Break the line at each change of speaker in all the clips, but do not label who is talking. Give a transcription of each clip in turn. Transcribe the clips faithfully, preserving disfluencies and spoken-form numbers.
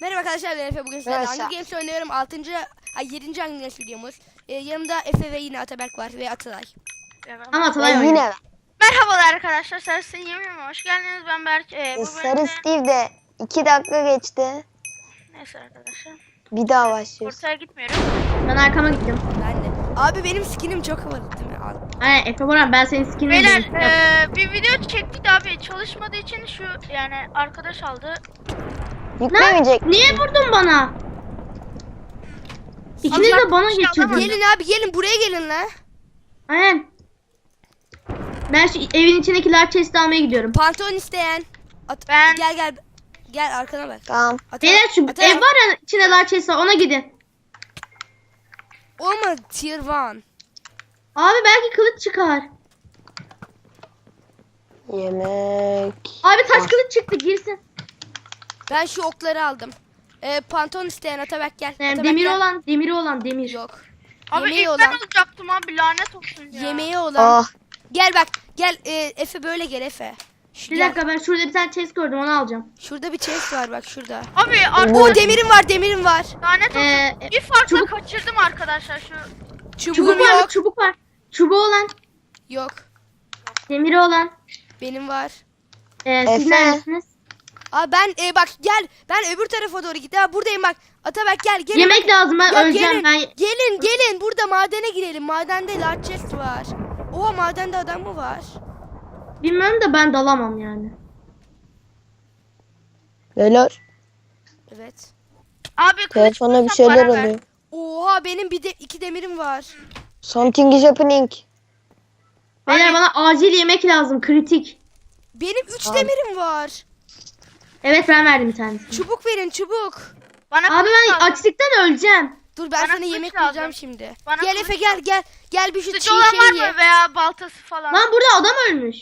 Merhaba arkadaşlar, ben Efe. Bugün sizlerle
Merhaba.
Hunger Games oynuyorum. altıncı ay yedinci Hunger Games videomuz. Ee, yanımda Efe ve yine Ataberk var ve Atalay.
Ama
Ve
Atalay
yine
oynuyor. Merhabalar arkadaşlar, Sarı Yemin'e hoş geldiniz. Ben Berk. Ee, bu
Sarı
bölümde...
Steve de iki dakika geçti.
Neyse arkadaşlar.
Bir daha başlıyoruz.
Ortaya gitmiyorum. Ben arkama gittim.
Ben de. Abi benim skinim çok havalı değil mi? Al.
Aynen Efe Boran, ben senin skinini Beyler ee, bir video çektik de abi çalışmadığı için şu yani arkadaş aldı.
Yüklemeyecek.
Niye vurdun bana? İkiniz de bana geçiyordunuz.
Gelin abi, gelin buraya gelin la.
Aynen. Ben şu evin içindeki large chest'i almaya gidiyorum.
Pantolon isteyen. At
Ben-
Gel gel. Gel arkana bak.
Tamam.
Atalay-
Beyler şu
Atalay-
ev var ya içinde large chest var, ona gidin.
Olma tier one.
Abi belki kılıç çıkar.
Yemek.
Abi taş
Ah.
kılıç çıktı, girsin.
Ben şu okları aldım. Ee, pantolon isteyen Ataberk gel.
Yani
Ataberk
demiri
gel.
olan, demiri olan demir.
Yok.
Abi
Yemeği
ilk
olan.
ben alacaktım abi, lanet olsun ya.
Yemeği olan.
Ah.
Gel bak. Gel e, Efe böyle gel Efe. Şu,
Bir
gel.
dakika, ben şurada bir tane chest gördüm, onu alacağım.
Şurada bir chest var bak şurada.
Abi
O
arkadaşlar
demirim var, demirim var.
lanet olsun.
Ee,
bir farkla
çubuk-
kaçırdım arkadaşlar şu.
Çubuğum
Çubuk var
yok.
mı? Çubuk var. Çubuğu olan,
Yok.
demiri olan.
Benim var.
Ee, siz
Efe.
neredesiniz?
Aa ben e, bak gel. Ben öbür tarafa doğru gittim. Ha, buradayım bak. Ataberk gel. Gelin.
Yemek lazım, ben
Ya
öleceğim
gelin,
ben.
gelin gelin burada madene girelim. Madende large chest var. Oha, madende adam mı var?
Bilmiyorum da ben dalamam yani.
Beyler.
Evet.
Abi kılıç
Telefona bir
bulsam
şeyler
bana ver.
oluyor.
Oha benim bir de iki demirim var.
Something is happening.
Beyler
Hani-
bana acil yemek lazım, kritik.
Benim üç
Tamam.
demirim var.
Evet, ben verdim bir tanesini.
Çubuk verin, çubuk.
Bana Abi ben açlıktan öleceğim.
Dur ben
Bana
sana
kılıç
yemek
lazım.
bulacağım şimdi.
Bana
Gel
kılıç
Efe gel
lazım.
gel. Gel bir şu çiğ
Sıcı olan var
şeyi ye.
mı veya baltası falan?
Lan
burada adam ölmüş.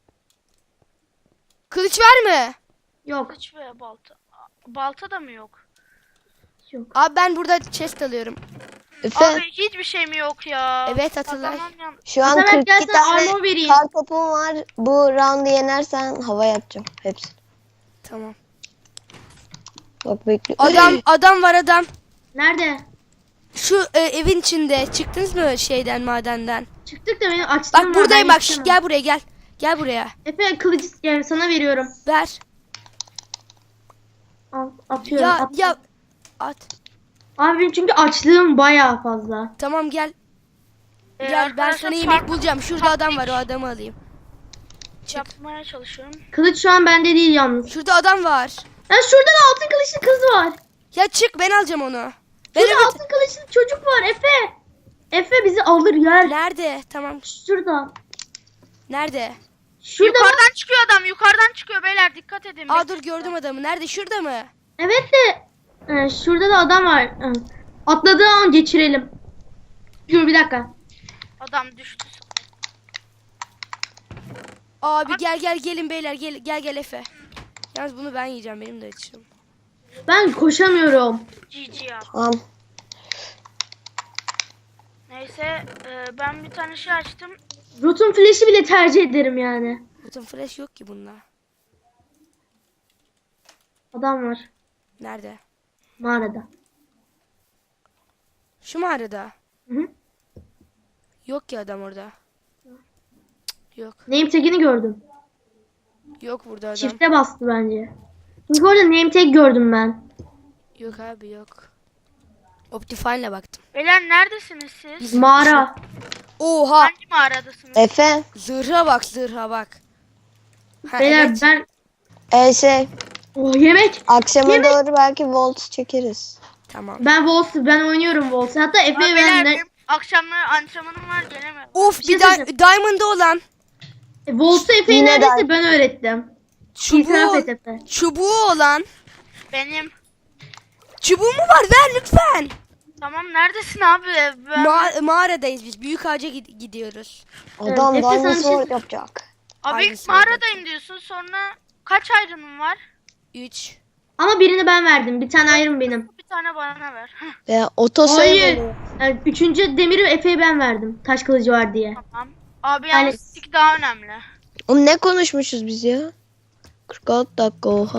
Kılıç var mı?
Yok. Kılıç veya balta. Balta da mı yok? Yok.
Abi ben burada chest alıyorum.
Efe.
Abi hiçbir şey mi yok ya?
Evet, Atılay.
Kazanmam yan-
Şu an
Ataberk,
kırk
gel
iki
sana
tane
armor vereyim.
kar topum var. Bu roundu yenersen havaya atacağım. Hepsi.
Tamam.
Bak bekle.
Adam adam var adam.
Nerede?
Şu e, evin içinde. Çıktınız mı şeyden, madenden?
Çıktık da benim açlığım var.
Bak buradayım
ben
bak. Şş,
yetişemem.
gel buraya gel. Gel buraya.
Efe kılıcı yani sana veriyorum.
Ver.
Al, atıyorum.
Ya
at.
ya at.
Abi benim çünkü açlığım bayağı fazla.
Tamam gel.
Ee,
Gel ben
arkadaşlar
sana yemek
fark-
bulacağım. Şurada adam var, o adamı alayım.
Yapmaya çalışıyorum. Kılıç şu an bende değil yalnız.
Şurada adam var.
Ya şurada da altın kılıçlı kız var.
Ya çık, ben alacağım onu. Ben
Şurada
öbür-
altın kılıçlı çocuk var Efe. Efe bizi alır yer.
Nerede? Tamam.
Şurada.
Nerede?
Şurada yukarıdan çıkıyor adam. Yukarıdan çıkıyor beyler, dikkat edin.
Aa dur, gördüm adamı. Nerede? Şurada mı?
Evet de e, şurada da adam var. E, atladığı an geçirelim. Dur bir dakika. Adam düştü.
Abi gel gel gelin beyler, gel gel gel Efe. Yalnız bunu ben yiyeceğim, benim de açım.
Ben koşamıyorum. G G ya.
Tamam.
Neyse e, ben bir tane şey açtım. Rotom flash'i bile tercih ederim yani.
Bütün flash yok ki bunda.
Adam var
Nerede?
mağarada.
Şu mağarada.
Hı hı.
Yok ki adam orada. Cık, yok.
Name tag'ini gördüm.
Yok burada adam.
Çifte bastı bence. Çünkü orada name tag gördüm ben.
Yok abi yok. Optifine'le baktım.
Beyler neredesiniz siz?
Biz-
Mağara.
Oha!
Hangi mağaradasınız?
Efe.
Zırha bak, zırha bak. Ha,
Beyler
evet.
ben...
E şey.
Oh yemek.
Akşama
Yemek.
doğru belki Volt çekeriz.
Tamam.
Ben Wolves, ben oynuyorum Wolves. Hatta Efe ben de...
Akşamları antrenmanım var, gelemem.
Of,
Bir şey
bir da
söyleyeceğim.
Diamond'da olan
E, Wolves'u Efe'yi
Yine
neredeyse
de-
ben öğrettim. İtiraf
çubuğu,
et Efe.
çubuğu olan.
Benim.
Çubuğu mu var? Ver lütfen.
Tamam, neredesin abi? Ben...
Ma- mağaradayız biz. Büyük ağaca gid- gidiyoruz.
Adam
Efe, sana bir
Diamond
şey-
Sword yapacak.
abi
Aynısı
mağaradayım diyorsun, sonra kaç ayrımım var?
üç.
Ama birini ben verdim. Bir tane ayrım benim.
Bir tane bana ver. Heh,
Ve oto
Hayır.
sayı
Yani üçüncü demiri Efe'ye ben verdim. Taş kılıcı var diye.
tamam. Abi
Yani-
yalnız stick daha önemli.
Oğlum ne konuşmuşuz biz ya? kırk altı dakika oha.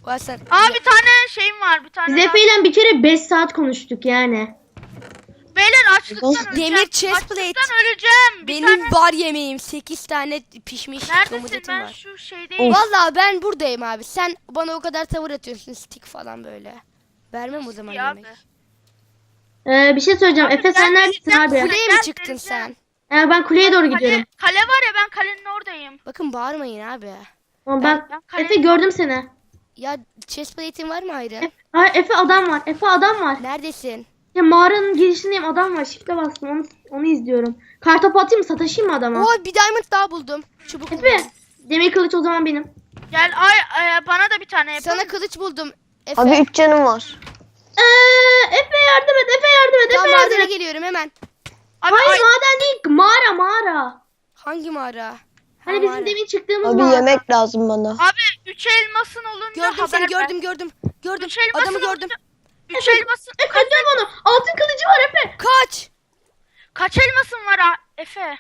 Ulan sen...
Aa bir tane şeyim var bir tane.
Biz
daha.
Efe ile bir kere beş saat konuştuk yani.
Beyler açlıktan
Demir
öleceğim.
chest plate.
Açlıktan öleceğim. Bir
Benim
tane.
var yemeğim. sekiz tane pişmiş
Neredesin
domuz etim
ben
var.
şu şeydeyim.
Vallahi ben buradayım abi. Sen bana o kadar tavır atıyorsun. Stick falan böyle. Vermem o zaman
Ya abi.
yemek.
Ee, bir şey söyleyeceğim.
Abi
Efe
ben
sen neredesin
vereceğim,
abi?
Kuleye
Ben
mi çıktın
vereceğim.
sen?
Ee, ben kuleye doğru
Kale,
gidiyorum.
kale var ya ben kalenin oradayım.
Bakın bağırmayın abi.
Tamam, ben,
ben kale-
Efe gördüm seni.
Ya chest plate'in var mı ayrı?
Efe, Aa, Efe adam var. Efe adam var.
Neredesin?
Ya mağaranın girişindeyim, adam var. Shift'e bastım, onu, onu izliyorum. Kartopu atayım mı, sataşayım mı adama?
Oo bir diamond daha buldum. Çubuk
Efe,
buldum.
demir kılıç o zaman benim.
Gel ay, ay bana da bir tane yapın.
Sana kılıç buldum. Efe.
Abi üç canım var.
Ee, Efe yardım et, Efe yardım et,
Tamam
Efe yardım
madene
et.
geliyorum hemen.
Abi,
Hayır
ay-
maden değil, mağara mağara.
Hangi mağara?
Hani
Ha,
bizim
mağara.
demin çıktığımız
Abi
mağara.
yemek lazım bana.
Abi üç elmasın olunca
Gördüm
haber
seni
ver.
gördüm gördüm. Gördüm.
Üç elmasın
Adamı
olunca-
gördüm.
Üç elmasın.
Efe dön bana. Altın kılıcı var Efe.
Kaç.
Kaç elmasın var ha- Efe?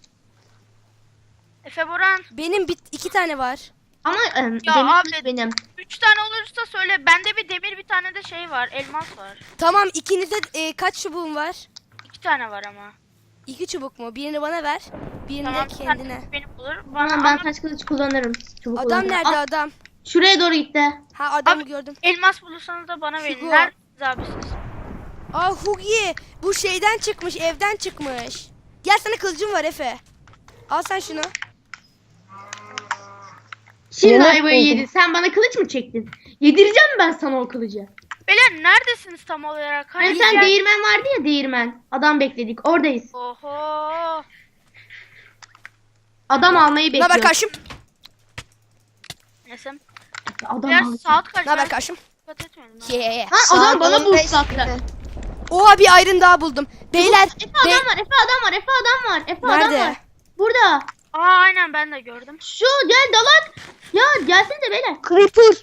Efe Boran.
Benim bit iki tane var.
Ama e, demir
abi.
kılıç benim.
Üç tane olursa söyle. Bende bir demir bir tane de şey var. Elmas var.
Tamam ikinize e, kaç çubuğun var?
İki tane var ama.
İki çubuk mu? Birini bana ver. Birini
Tamam
de
bir
kendine.
tane benim olur. Bana
Tamam, ben
ama
taş kılıç kullanırım. Çubuk
Adam
kullanırım.
nerede
Ah,
adam?
şuraya doğru gitti.
Ha adamı
Abi-
gördüm.
elmas bulursanız da bana verin.
Hugo.
Neredesiniz abi siz?
Aa Hugi bu şeyden çıkmış evden çıkmış. Gel sana kılıcım var Efe. Al sen şunu.
Şimdi
Yemek
ayvayı
buldum.
yedin. Sen bana kılıç mı çektin? Yedireceğim ben sana o kılıcı.
Beyler neredesiniz tam olarak?
Hani
Hani
sen
gel-
değirmen vardı ya, değirmen. Adam bekledik. Oradayız.
Oho.
Adam almayı
Ne haber
bekliyoruz.
karşım?
Neyse.
Adam
Biraz
almayı.
saat kaç?
Ne haber
Ben
karşım?
dikkat etmedim. ha.
Yeah.
Ha, adam
Saat
bana
on beş
boost attı.
gibi.
Oha bir ayrın daha buldum. Beyler.
Efe
be-
adam var, Efe adam var, Efe adam var, Efe adam
Nerede?
var. Burada.
Aa aynen ben de gördüm.
Şu gel dalak. Ya gelsene beyler.
Creeper.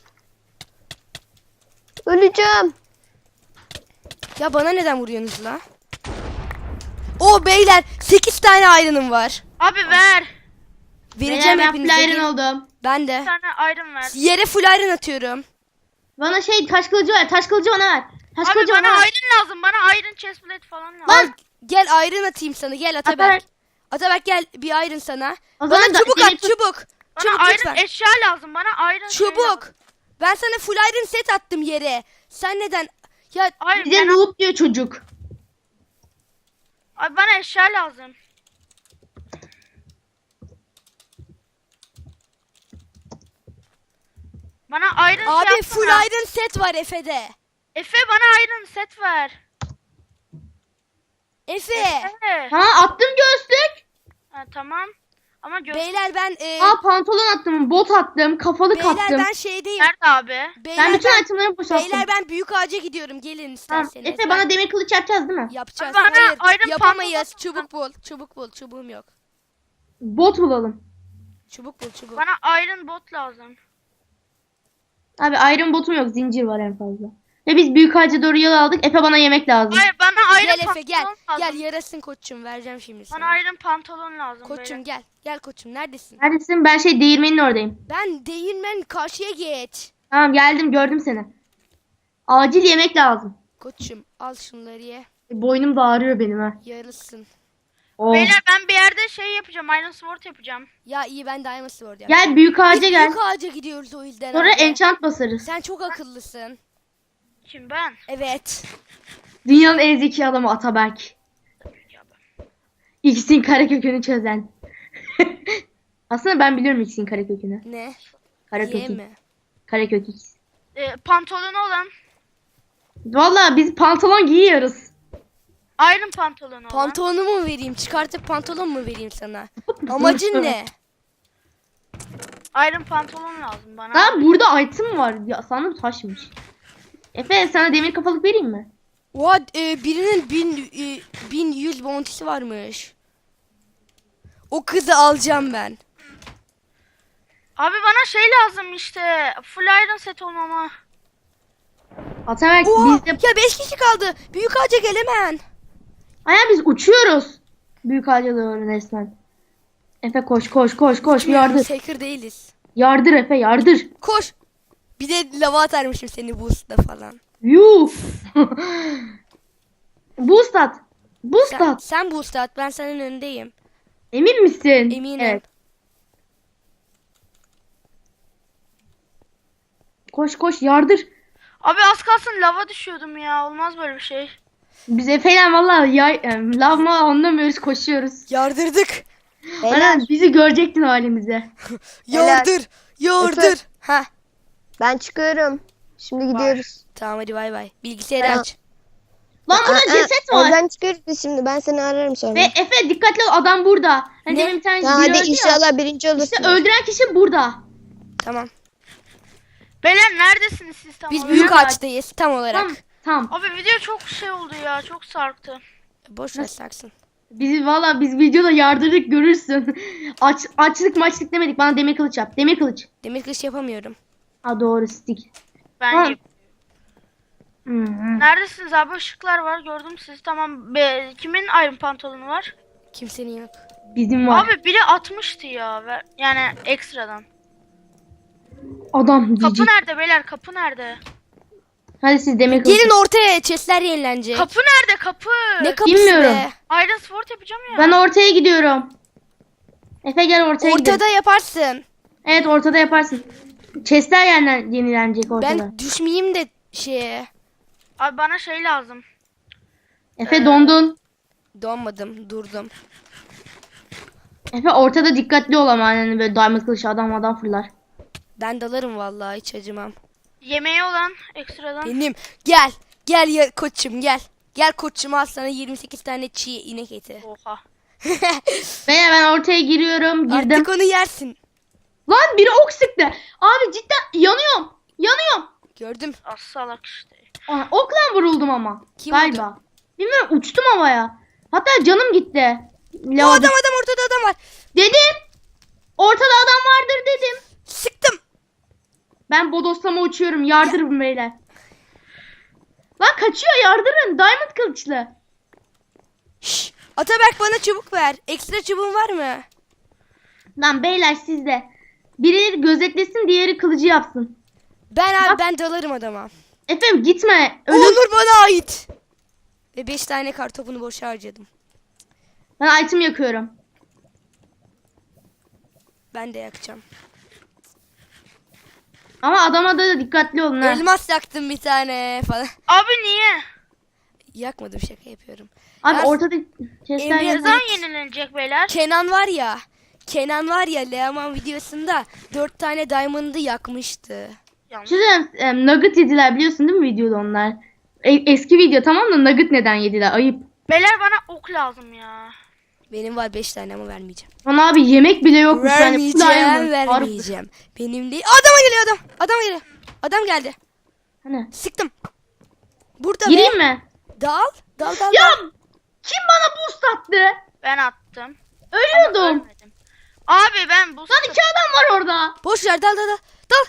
Öleceğim.
Ya bana neden vuruyorsunuz la? O beyler sekiz tane ayrınım var.
Abi ver.
Vereceğim
Beyler, ben
hepinize.
flyerin
Gelin.
oldum.
Ben de.
Bir tane iron ver.
Yere full iron atıyorum.
Bana şey taş kılıcı ver, taş kılıcı bana ver. Taş
Abi
kılıcı
bana
bana ver.
iron lazım. Bana iron chestplate falan lazım.
Al gel iron atayım sana. Gel Ataberk.
Ataberk.
Ataberk gel bir iron sana.
O
Bana
zaman da
çubuk
demir
at
kılıç-
çubuk.
Bana
Çubuk
iron
lütfen.
eşya lazım. Bana iron şey
Çubuk.
lazım.
Ben sana full iron set attım yere. Sen neden? Ya
Hayır
Bize
ben-
noob diyor çocuk.
Abi bana eşya lazım. Bana iron
abi
şey
full
yapsana.
iron set var Efe'de.
Efe bana iron set ver.
Efe.
Efe.
Ha, attım göğüslük.
Ha, tamam. Ama gö-
Beyler ben e,
Aa, pantolon attım, bot attım, kafalık
beyler
attım.
ben şeydeyim.
nerede abi?
Beyler
Ben bütün
ben,
itemleri boşalttım.
beyler ben büyük ağaca gidiyorum. Gelin
Tamam,
isterseniz.
Efe
Ben-
bana demir kılıç yapacağız değil mi?
Yapacağız.
Bana
Hayır
iron
yapamayız.
pantolon-
Çubuk bul. Çubuk bul. Çubuğum yok.
Bot bulalım.
Çubuk bul çubuk.
Bana iron bot lazım.
Abi iron botum yok, zincir var en fazla. Ve biz büyük ağaca doğru yol aldık. Efe bana yemek lazım.
Hayır bana iron
Gel Efe
pantolon
gel.
lazım.
Gel yarasın koçum vereceğim şimdi sana.
Bana iron pantolon lazım.
Koçum
beyler.
gel. Gel koçum neredesin?
Neredesin? Ben şey değirmenin oradayım.
Ben değirmen karşıya geç.
Tamam geldim, gördüm seni. Acil yemek lazım.
Koçum al şunları ye.
E, boynum da ağrıyor benim ha.
Yarılsın.
Oh.
Beyler ben bir yerde şey yapacağım. Iron sword yapacağım.
Ya iyi ben Diamond Sword yaptım.
Gel büyük ağaca
Biz
gel.
büyük ağaca gidiyoruz o yüzden.
Sonra
abi.
enchant basarız.
Sen çok akıllısın.
Kim ben?
Evet.
Dünyanın en zeki adamı Ataberk. X'in karekökünü çözen. Aslında ben biliyorum X'in karekökünü.
Ne? Ye
Karekök.
mi?
Karekök X.
Ee, pantolonu olan.
Valla biz pantolon giyiyoruz.
Iron pantolonu olan.
Pantolonumu mu vereyim? Çıkartıp pantolon mu vereyim sana? Amacın ne?
Iron pantolon lazım bana.
Lan burada item var. Ya sanırım taşmış. Efe sana demir kafalık vereyim mi?
Oha e, birinin bin, e, bin yüz bounty'si varmış. O kızı alacağım ben.
Abi bana şey lazım işte. Full iron set olmama.
Ataberk
Oha
biz de...
ya beş kişi kaldı. Büyük ağaca gel hemen.
Aya biz uçuyoruz. Büyük ağaca doğru resmen. Efe koş koş koş koş yardır.
Hacker değiliz.
Yardır Efe yardır.
Koş. Bir de lava atarmışım seni boost'la falan.
Yuh. Boost at. Boost
Sen,
at.
sen boost at, ben senin önündeyim.
Emin misin?
Eminim.
Evet. Koş koş yardır.
Abi az kalsın lava düşüyordum ya. Olmaz böyle bir şey.
Biz Efe'yle valla yay, em, lav mı anlamıyoruz, koşuyoruz.
Yardırdık.
Beyler
Aynen, bizi görecektin halimize.
Yardır. Yardır. Ha.
ben çıkıyorum. Şimdi gidiyoruz.
Tamam hadi bay bay. Bilgisayarı
Tamam.
aç.
Lan burada
Aa,
ceset var.
Oradan çıkıyoruz biz şimdi. Ben seni ararım sonra.
Ve Efe dikkatli ol, adam burada. Hani
Ne?
demin bir tane
Tamam
biri
hadi
öldü ya.
inşallah birinci olursun.
İşte öldüren kişi burada.
Tamam.
Beyler neredesiniz siz tam
Biz
olarak?
büyük
Büyük
ağaçtayız tam olarak.
Tamam tamam.
Abi video çok şey oldu ya. Çok sarktı.
Boş ver saksın.
Biz valla biz videoda yardırdık, görürsün. Aç, açlık maçlık demedik, bana demir kılıç yap. Demir kılıç.
Demir kılıç yapamıyorum.
Ha doğru, stick.
Ben
Tamam.
yap-
Hı hı.
Neredesiniz abi? Işıklar var. Gördüm sizi. Tamam. Be, kimin Iron pantolonu var?
Kimsenin yok.
Bizim var.
Abi biri atmıştı ya. Ver- Yani ekstradan.
Adam
Kapı
cici.
nerede beyler? Kapı nerede?
Hadi siz demir kılıç.
Gelin ortaya, chestler yenilenecek.
Kapı nerede? Kapı.
Ne kapısı
Bilmiyorum.
be?
Iron Sword yapacağım ya.
Ben ortaya gidiyorum. Efe gel ortaya gidelim.
Ortada yaparsın.
Evet, ortada yaparsın. Chestler yenilen, yenilenecek ortada.
Ben düşmeyeyim de şeye.
Abi bana şey lazım.
Efe dondun.
Donmadım, durdum.
Efe ortada dikkatli ol ama hani böyle diamond kılıç adam adam fırlar.
Ben dalarım vallahi, hiç acımam.
Yemeği olan ekstradan.
Benim. Gel. Gel ya koçum gel. Gel koçum, al sana yirmi sekiz tane çiğ inek eti.
Oha.
Veya ben ortaya giriyorum, girdim.
Artık onu yersin.
Lan biri ok sıktı. Abi cidden yanıyorum. Yanıyorum.
Gördüm.
Az salak işte.
Aa, okla vuruldum ama.
Kim
Galiba. Bilmiyorum, uçtum havaya. Hatta canım gitti.
O
Lava
adam adam ortada adam var.
dedim. Ortada adam vardır dedim.
Sıktım.
Ben bodoslama uçuyorum. Yardırın beyler. Lan kaçıyor, yardırın. Diamond kılıçlı.
Şş, Ataberk bana çubuk ver. Ekstra çubuğun var mı?
Lan beyler sizde. Biri gözetlesin, diğeri kılıcı yapsın.
Ben abi
Bak.
ben dalarım adama.
Efendim gitme.
O
Ölüm.
Onur bana ait. Ve beş tane kartopunu boşa harcadım.
Ben item yakıyorum.
Ben de yakacağım.
Ama adama da dikkatli olun ha.
Elmas yaktım bir tane falan.
Abi niye?
Yakmadım, şaka yapıyorum.
Abi
Ya-
ortada chestler
Emre-
yazıyor.
Ne zaman yenilenecek beyler?
Kenan var ya. Kenan var ya Leaman videosunda dört tane diamond'ı yakmıştı.
Yanlış.
Şuradan em, nugget yediler, biliyorsun değil mi videoda onlar? E- eski video tamam da nugget neden yediler? Ayıp.
Beyler bana ok lazım ya.
Benim var beş tane ama vermeyeceğim.
Lan abi yemek bile yokmuş. Yani full
Vermeyeceğim,
diamond.
vermeyeceğim. Benim değil. Adama geliyor adam. Adam geliyor. Adam geldi.
Hani?
Sıktım. Burada
Gireyim
be.
mi?
Dal. Dal dal.
Ya
dal.
kim bana boost attı?
Ben attım.
Ölüyordum.
Ölmedim. Abi ben bu
Lan iki adam var orada.
Boş ver, dal dal dal. Dal.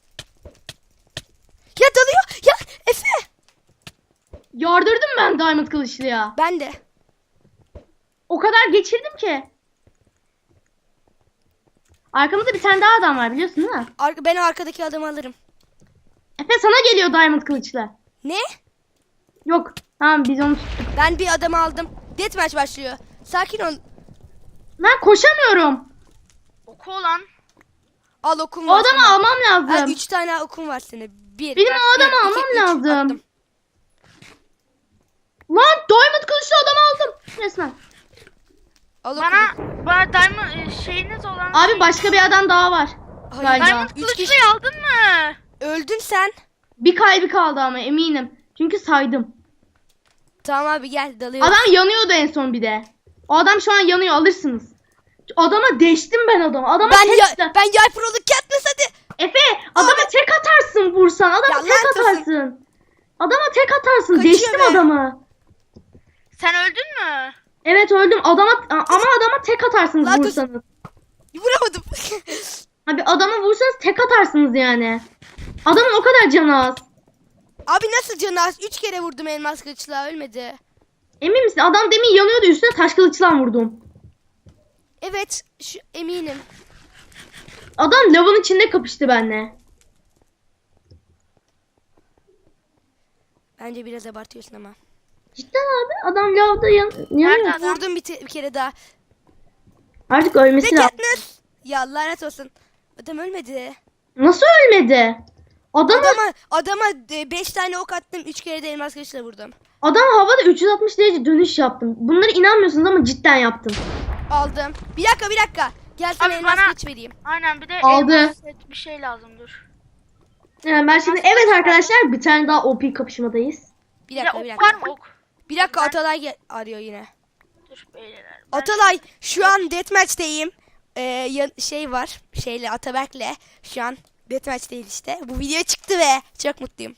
Ya dalıyor. Ya Efe.
Yardırdım ben diamond kılıçlıya.
Ben de.
O kadar geçirdim ki. Arkamızda bir tane daha adam var, biliyorsun değil mi?
Ar- ben o arkadaki adamı alırım.
Efe sana geliyor diamond kılıçlı.
Ne?
Yok. Tamam biz onu tuttuk.
Ben bir adamı aldım. Deathmatch başlıyor. Sakin ol.
Ben koşamıyorum.
oku olan.
Al okum
O
var.
adamı
sana.
almam lazım.
Ha, üç tane okum var senin. Bir.
Benim o adamı
bir, iki,
almam
üç.
lazım.
Attım.
Lan diamond kılıçlı adamı aldım. Resmen.
Al
Bana,
okumu.
bana diamond e, şeyiniz olan.
Abi başka bir adam daha var.
Hayır.
Galiba.
Diamond
Üç
kılıçlıyı
kişi.
aldın mı?
Öldün sen.
Bir kalbi kaldı ama eminim. Çünkü saydım.
Tamam abi gel dalıyoruz.
Adam yanıyordu en son bir de. O adam şu an yanıyor, alırsınız. Adama deştim ben adamı. Adama
Ben
tek...
ya, ben yay proluk Katniss hadi.
Efe adama tek atarsın vursan. Adama
Ya
tek
lanet olsun.
atarsın. Adama tek atarsın.
Kaçıyor
Deştim
be.
adamı.
Sen öldün mü?
Evet öldüm. Adama ama adama tek atarsınız
Lanet olsun.
vursanız.
Vuramadım.
Abi adama vursanız tek atarsınız yani. Adamın o kadar canı az.
Abi nasıl canı az? Üç kere vurdum elmas kılıçla, ölmedi.
Emin misin? Adam demin yanıyordu, üstüne taş kılıçla vurdum.
Evet şu, eminim.
Adam lavın içinde kapıştı benimle.
Bence biraz abartıyorsun ama.
Cidden abi adam lavda yan yanıyor.
Nerede adam?
Vurdum bir, te- bir kere daha.
Artık
Ve
ölmesi lazım.
Katniss. Ya lanet olsun. Adam ölmedi.
Nasıl ölmedi? Adam
Adama adama beş tane ok attım. üç kere de elmas kılıçla vurdum.
adam havada üç yüz altmış derece dönüş yaptım. Bunlara inanmıyorsunuz ama cidden yaptım.
Aldım. Bir dakika bir dakika. Gel sana
Abi
elmas
bana-
kılıç vereyim.
Aynen bir de
Aldı.
elmas set bir şey lazım dur.
Yani ben şimdi evet arkadaşlar bir tane daha O P kapışmadayız.
Bir
Bir de
dakika
ok
bir
var
dakika.
mı ok?
Bir dakika Atalay gel- arıyor yine.
Dur beyler. Ben-
Atalay şu an deathmatch'teyim. Ee, ya- şey var. Şeyle Ataberk'le şu an deathmatch'teyiz işte. Bu video çıktı ve çok mutluyum.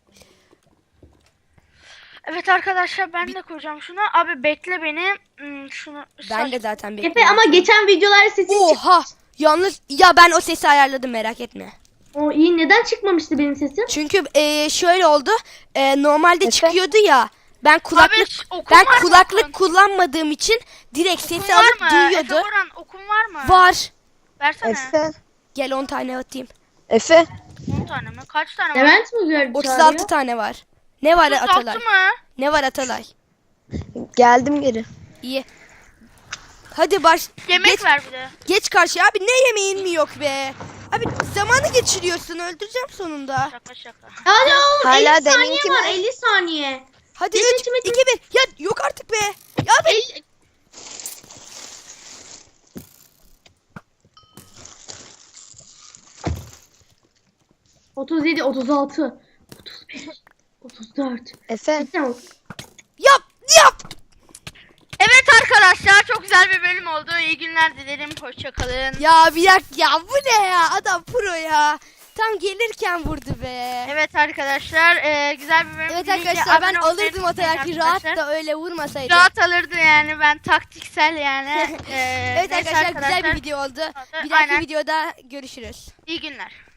Evet arkadaşlar ben de koyacağım şunu. Abi bekle beni. Hmm, şunu
Ben de
saç-
zaten bekliyorum.
Efe ama geçen videolar sesin çık.
Oha! Yalnız ya ben o sesi ayarladım merak etme.
O iyi neden çıkmamıştı benim sesim?
Çünkü e, şöyle oldu. E, normalde
Efe?
çıkıyordu ya. Ben kulaklık
Abi, okun
ben
var mı
kulaklık
okun?
kullanmadığım için direkt
Okun
sesi
var
alıp
mı?
duyuyordu.
Efe Boran okun var mı?
Var.
Versene.
Efe.
Gel on tane atayım.
Efe.
on tane mi? Kaç tane var?
Levent mi gördü
otuz altı
çağırıyor?
tane var. Ne var
otuz altı
Atalay?
mı?
Ne var Atalay?
Geldim geri.
İyi. Hadi baş.
Yemek
geç,
ver bir de.
geç karşıya. Abi ne yemeğin mi yok be? Abi zamanı geçiriyorsun. Öldüreceğim sonunda.
Şaka şaka.
Hadi oğlum
Hala
elli saniye
deminki
var
mi?
elli saniye.
Hadi
Geç,
üç,
içime-
iki, bir. Ya yok artık be. Ya abi.
elli... otuz yedi, otuz altı, otuz beş, otuz dört.
Efe.
Tamam.
Yap. Yap.
Evet arkadaşlar çok güzel bir bölüm oldu. İyi günler dilerim. Hoşçakalın.
Ya bir dakika ya bu ne ya? Adam pro ya. Tam gelirken vurdu be.
Evet arkadaşlar e, güzel bir bölüm.
Evet
Birinci
arkadaşlar ben
abone olmayı
alırdım
unutmayın
Ataberk'i rahat
arkadaşlar.
da öyle vurmasaydı.
Rahat alırdı yani ben taktiksel yani. E,
Evet
neyse
arkadaşlar güzel bir video oldu. Bir dahaki
Aynen.
videoda görüşürüz.
İyi günler.